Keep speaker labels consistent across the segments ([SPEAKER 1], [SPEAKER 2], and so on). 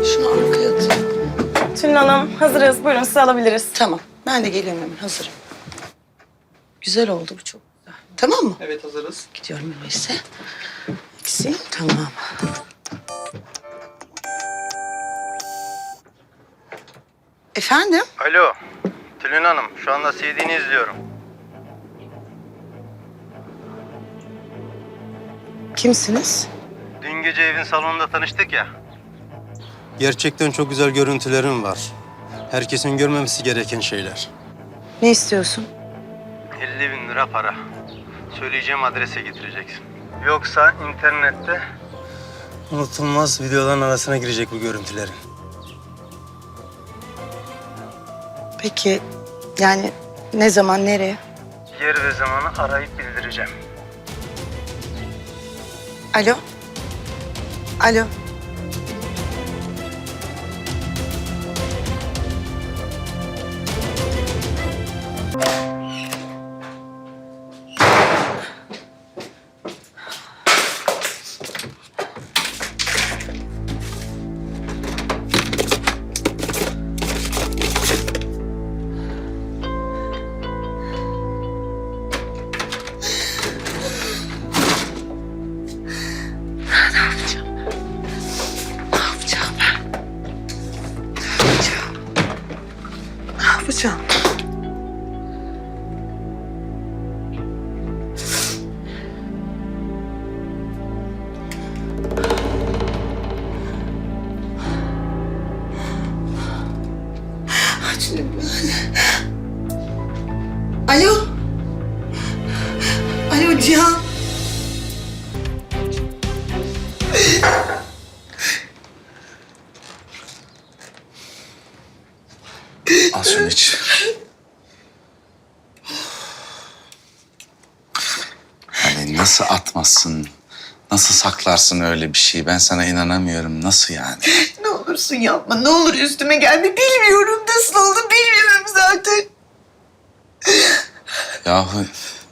[SPEAKER 1] Şunu arkaya atayım.
[SPEAKER 2] Tülin Hanım hazırız. Buyurun sizi alabiliriz.
[SPEAKER 1] Tamam. Ben de geliyorum hemen. Hazırım. Güzel oldu bu, çok güzel. Tamam mı?
[SPEAKER 3] Evet, hazırız.
[SPEAKER 1] Gidiyorum öyleyse. Eksi. Tamam. Efendim?
[SPEAKER 3] Alo, Tülin Hanım. Şu anda CD'ni izliyorum.
[SPEAKER 1] Kimsiniz?
[SPEAKER 3] Dün gece evin salonunda tanıştık ya. Gerçekten çok güzel görüntülerim var. Herkesin görmemesi gereken şeyler.
[SPEAKER 1] Ne istiyorsun?
[SPEAKER 3] 50.000 lira para. Söyleyeceğim adrese getireceksin. Yoksa internette unutulmaz videoların arasına girecek bu görüntülerin.
[SPEAKER 1] Peki yani ne zaman, nereye?
[SPEAKER 3] Yer ve zamanı arayıp bildireceğim.
[SPEAKER 1] Alo? Alo? Ne yapacağım? Açayım ben. Alo? Alo Cihan?
[SPEAKER 4] Al şunu iç. Yani nasıl atmazsın, nasıl saklarsın öyle bir şeyi? Ben sana inanamıyorum. Nasıl yani?
[SPEAKER 1] Ne olursun yapma, ne olur üstüme gelme. Bilmiyorum nasıl oldu, bilmiyorum zaten.
[SPEAKER 4] Yahu...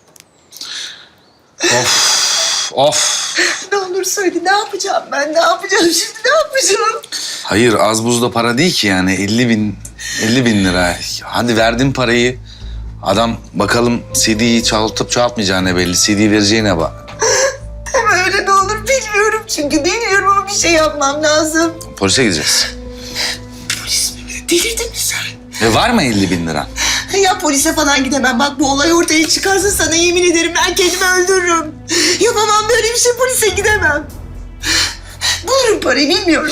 [SPEAKER 4] Of, of.
[SPEAKER 1] Ne olur söyle, ne yapacağım ben, ne yapacağım şimdi, ne yapacağım?
[SPEAKER 4] Hayır, az buzda para değil ki yani. 50 bin lira. Hadi verdin parayı. Adam bakalım CD'yi çalıp çalmayacağına belli. CD vereceğine bak.
[SPEAKER 1] Deme öyle, ne olur, bilmiyorum çünkü bilmiyorum ama bir şey yapmam lazım.
[SPEAKER 4] Polise gideceğiz.
[SPEAKER 1] Polis mi? Delirdin mi sen?
[SPEAKER 4] Ve var mı 50 bin lira?
[SPEAKER 1] Ya polise falan gidemem. Bak bu olay ortaya çıkarsa sana yemin ederim ben kendimi öldürürüm. Yapamam böyle bir şey, polise gidemem. Bulurum parayı, bilmiyorum.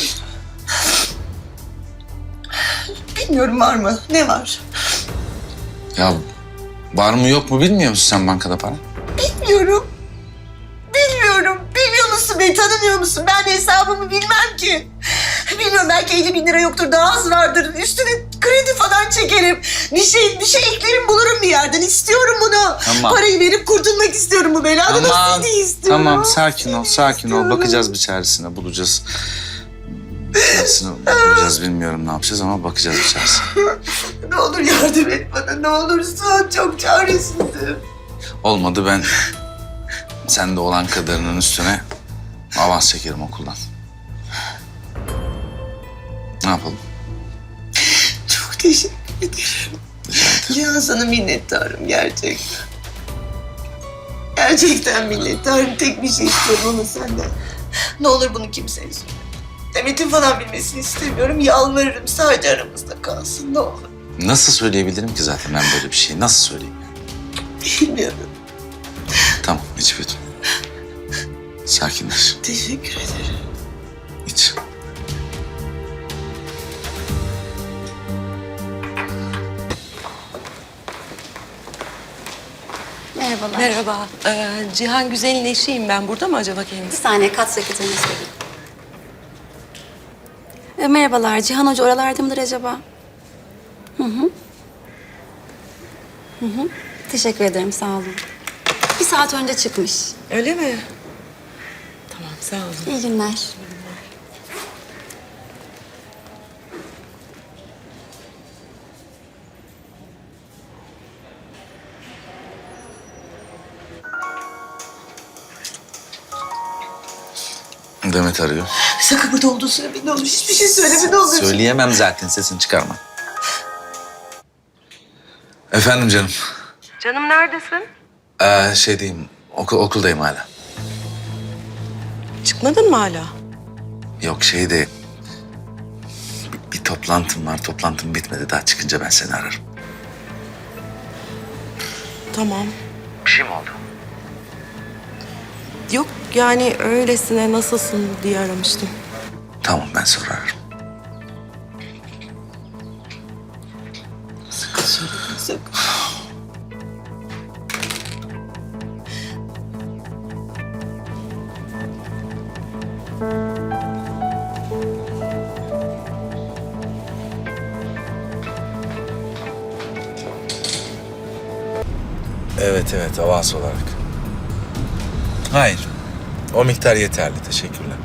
[SPEAKER 1] Bilmiyorum var mı? Ne var?
[SPEAKER 4] Ya var mı yok mu bilmiyor musun sen bankada para?
[SPEAKER 1] Bilmiyorum. Bilmiyorum. Bilmiyor musun beni? Tanımıyor musun? Ben hesabımı bilmem ki. Bilmiyorum, belki 50.000 lira yoktur, daha az vardır. Üstüne kredi falan çekerim. Bir şey eklerim, bulurum bir yerden. İstiyorum bunu.
[SPEAKER 4] Tamam.
[SPEAKER 1] Parayı verip kurtulmak istiyorum bu beladan.
[SPEAKER 4] Tamam,
[SPEAKER 1] CD istiyorum.
[SPEAKER 4] tamam sakin ol, sakin ol.
[SPEAKER 1] istiyorum.
[SPEAKER 4] Bakacağız bir çaresine, bulacağız. Bir çaresine bulacağız, bilmiyorum ne yapacağız ama bakacağız bir çaresine.
[SPEAKER 1] Ne olur yardım et bana, ne olursun. Çok çaresizim.
[SPEAKER 4] Olmadı ben sende olan kadarının üstüne avans çekerim okuldan. Ne yapalım?
[SPEAKER 1] Çok teşekkür ederim. Cihan, sana minnettarım gerçekten. Gerçekten minnettarım. Tek bir şey istiyorum ama senden. Ne olur bunu kimseye söyle. Demet'in falan bilmesini istemiyorum. Yalvarırım, sadece aramızda kalsın, ne olur.
[SPEAKER 4] Nasıl söyleyebilirim ki zaten ben böyle bir şeyi? Nasıl söyleyeyim yani?
[SPEAKER 1] Bilmiyorum.
[SPEAKER 4] Tamam, iç bir yudum. Sakinleş,
[SPEAKER 1] Teşekkür ederim.
[SPEAKER 4] iç.
[SPEAKER 5] Merhabalar.
[SPEAKER 6] Merhaba. Cihan Güzel'in eşiyim ben. Burada mı acaba
[SPEAKER 5] Bir
[SPEAKER 6] kendisi?
[SPEAKER 5] saniye, kat sekreterine söyleyeyim. Merhabalar, Cihan Hoca oralarda mıdır acaba? Hı hı. Hı hı. Teşekkür ederim, sağ olun. Bir saat önce çıkmış.
[SPEAKER 6] Öyle mi? Tamam, sağ olun.
[SPEAKER 5] İyi günler.
[SPEAKER 4] Demet arıyor.
[SPEAKER 1] Sakın burada olduğunu söyleme ne olur. Hiçbir şey söyleme ne olur.
[SPEAKER 4] Söyleyemem zaten, sesini çıkarma. Efendim canım.
[SPEAKER 6] Canım neredesin?
[SPEAKER 4] Şeydeyim, okuldayım hala.
[SPEAKER 6] Çıkmadın mı hala?
[SPEAKER 4] Yok şeyde... Bir toplantım var, toplantım bitmedi. Daha çıkınca ben seni ararım.
[SPEAKER 6] Tamam.
[SPEAKER 4] Bir şey mi oldu?
[SPEAKER 6] Yok yani öylesine nasılsın diye aramıştım.
[SPEAKER 4] Tamam, ben sonra ararım.
[SPEAKER 1] Sakın.
[SPEAKER 4] Evet, avans olarak. Hayır, o miktar yeterli. Teşekkürler.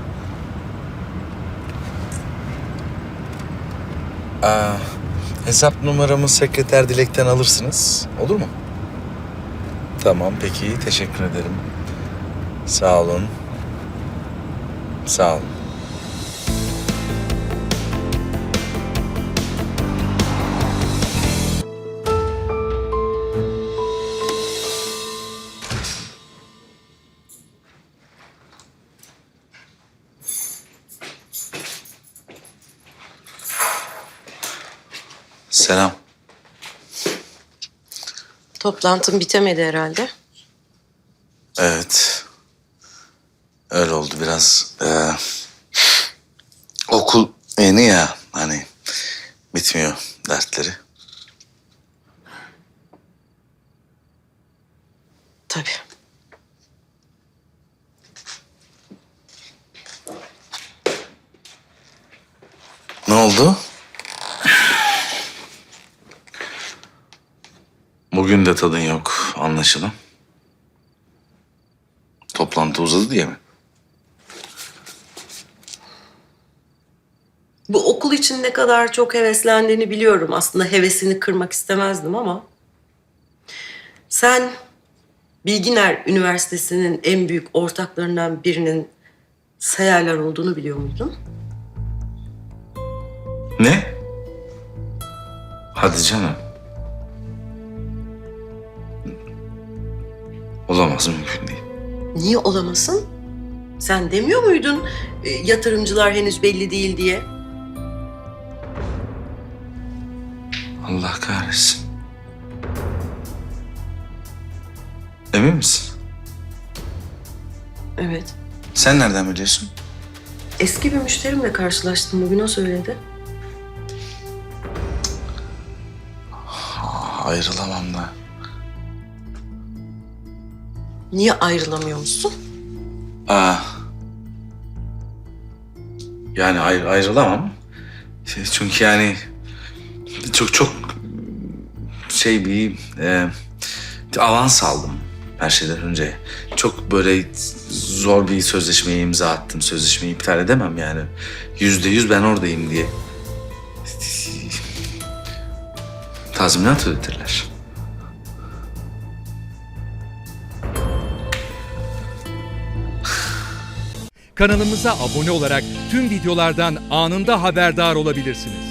[SPEAKER 4] Hesap numaramı sekreter Dilek'ten alırsınız. Olur mu? Tamam, peki. Teşekkür ederim. Sağ olun. Sağ olun. Selam.
[SPEAKER 6] Toplantın bitemedi herhalde.
[SPEAKER 4] Evet. Öyle oldu biraz. Okul yeni ya, hani bitmiyor dertleri.
[SPEAKER 6] Tabii.
[SPEAKER 4] Ne oldu? Bugün de tadın yok anlaşılan. Toplantı uzadı diye mi?
[SPEAKER 6] Bu okul için ne kadar çok heveslendiğini biliyorum. Aslında hevesini kırmak istemezdim ama... Sen Bilginer Üniversitesi'nin en büyük ortaklarından birinin Sayarlar olduğunu biliyor muydun?
[SPEAKER 4] Ne? Hadi canım. Olamaz, mümkün değil.
[SPEAKER 6] Niye olamasın? Sen demiyor muydun yatırımcılar henüz belli değil diye?
[SPEAKER 4] Allah kahretsin. Emin misin?
[SPEAKER 6] Evet.
[SPEAKER 4] Sen nereden biliyorsun?
[SPEAKER 6] Eski bir müşterimle karşılaştım bugün, o söyledi.
[SPEAKER 4] Ayrılamam da.
[SPEAKER 6] Niye ayrılamıyor musun?
[SPEAKER 4] Yani ayrılamam. Çünkü yani çok bir avans aldım her şeyden önce. Çok böyle zor bir sözleşmeye imza attım. Sözleşmeyi iptal edemem yani. %100 ben oradayım diye. Tazminat ödetirler.
[SPEAKER 7] Kanalımıza abone olarak tüm videolardan anında haberdar olabilirsiniz.